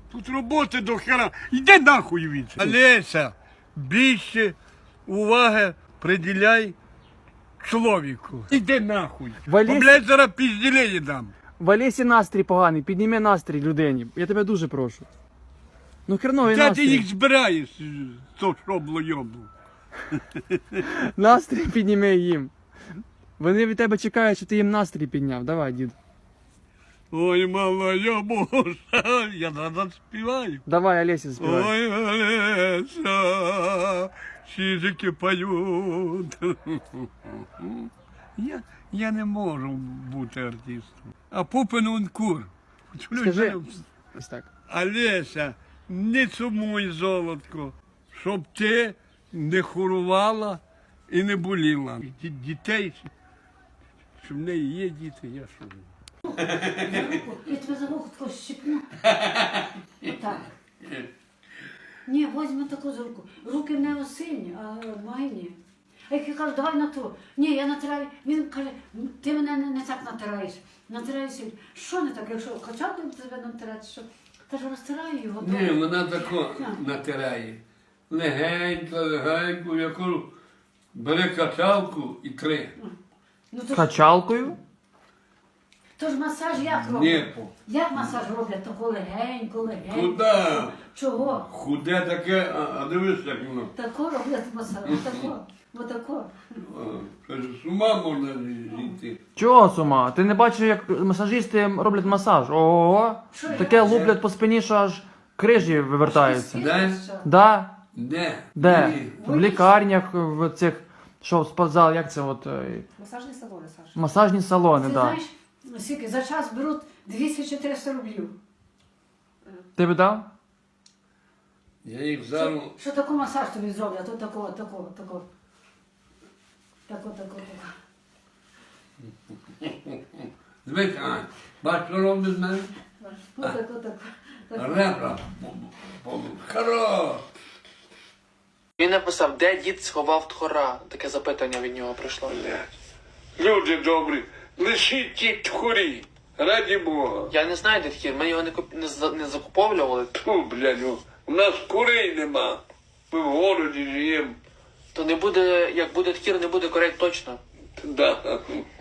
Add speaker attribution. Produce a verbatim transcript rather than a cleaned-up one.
Speaker 1: Тут роботи до хера. Йди нахуй від. Олеся, більше уваги приділяй чоловіку. Іди нахуй.
Speaker 2: Валєсь-
Speaker 1: Бо, блядь, зараз пізділені дам.
Speaker 2: В Олесі настрій поганий, підніми настрій людині. Я тебе дуже прошу. Ну херновий
Speaker 1: Де ти
Speaker 2: настрій.
Speaker 1: їх збираєш, то шобло йобло?
Speaker 2: Настрій підніми їм. Вони від тебе чекають, що ти їм настрій підняв. Давай, дід.
Speaker 1: Ой, мала, я боже, я зараз співаю.
Speaker 2: Давай, Олесі, співай.
Speaker 1: Ой, Олеся, чижики поють. Я, я не можу бути артистом. А Пупин он кур.
Speaker 2: Скажи. Ось так.
Speaker 1: Олеся, не сумуй, золотко, щоб ти не хворувала і не боліла. Ді- Дітей, що в неї є діти, я що.
Speaker 3: Я тебе за руку таку щипну. Отак. Ні, возьми таку за руку. Руки в нього сильні, а мої ні. А як я кажу, давай натру. Ні, я натираю. Він каже, ти мене не, не так натираєш. Натираю сильно. Що не так, якщо качати тебе натирати, що? Та ж розтираю його.
Speaker 4: Ні, вона тако натирає. Легенько, легенько, я кажу, бери качалку і три.
Speaker 3: Ну, то ж,
Speaker 2: Качалкою?
Speaker 3: то ж масаж як
Speaker 4: Ні,
Speaker 3: роблять?
Speaker 4: по.
Speaker 3: Як масаж роблять? Тако легенько, легенько.
Speaker 4: Куда?
Speaker 3: Чого?
Speaker 4: Худе таке, а, а дивись, як воно.
Speaker 3: Тако роблять масаж. Отако. Отако.
Speaker 4: А, каже, з ума можна зійти.
Speaker 2: Чого з ума? Ти не бачиш, як масажисти роблять масаж? Ого!
Speaker 3: Що
Speaker 2: Таке
Speaker 3: я?
Speaker 2: луплять по спині, що аж крижі вивертаються.
Speaker 4: Де?
Speaker 2: Да?
Speaker 4: Де?
Speaker 2: Де?
Speaker 4: Ні.
Speaker 2: В лікарнях, в цих, що, спортзал, як це от, е,
Speaker 5: Масажні салони, Саша.
Speaker 2: масажні салони,
Speaker 3: Ти
Speaker 2: да.
Speaker 3: знаєш, скільки за час беруть двісті-чотириста рублів.
Speaker 2: Ти б дав?
Speaker 4: Я їх зараз.
Speaker 3: Що, що таку масаж тобі зроблять? Тут такого, такого, такого. Тако, тако, тако.
Speaker 4: Дивись, Ань, бач, що робить з мене?
Speaker 3: Ну, тако, тако. тако.
Speaker 4: Ребра. Хорош.
Speaker 6: Він написав, де дід сховав тхора. Таке запитання від нього прийшло.
Speaker 1: Люди добрі, лишіть ті тхорі, раді Бога.
Speaker 6: Я не знаю, де тхір, ми його не, куп... не, за- не закуповували.
Speaker 1: Ту, блядь, ну, у нас курей нема. Ми в городі живемо.
Speaker 6: То не буде, як буде тхір, не буде корей точно.
Speaker 1: Да.